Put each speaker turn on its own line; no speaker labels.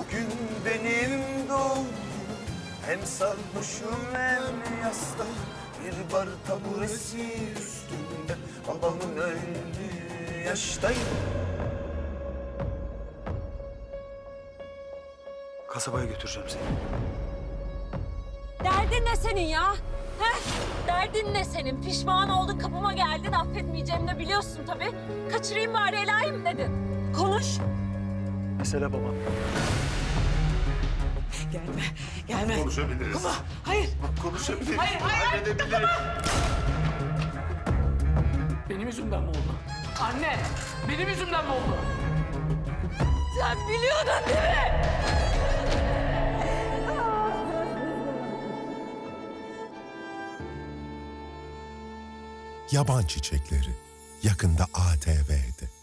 Bugün benim doğum günüm. Hem sarhoşum hem yasta. Bir bar taburesi üstünde. Babamın öldüğü yaştayım.
Kasabaya götüreceğim seni.
Derdin ne senin ya? He? Derdin ne senin? Pişman oldun, kapıma geldin, affetmeyeceğimi de biliyorsun tabii. Kaçırayım bari, Ela'yı mı dedin? Konuş.
Mesele babam.
Gelme.
Konuşabiliriz.
Hayır.
Konuşabiliriz.
Hayır.
Halledebiliriz.
Benim yüzümden mi oldu? Anne, benim yüzümden mi oldu?
Sen biliyordun değil mi?
Yaban Çiçekleri yakında ATV'de.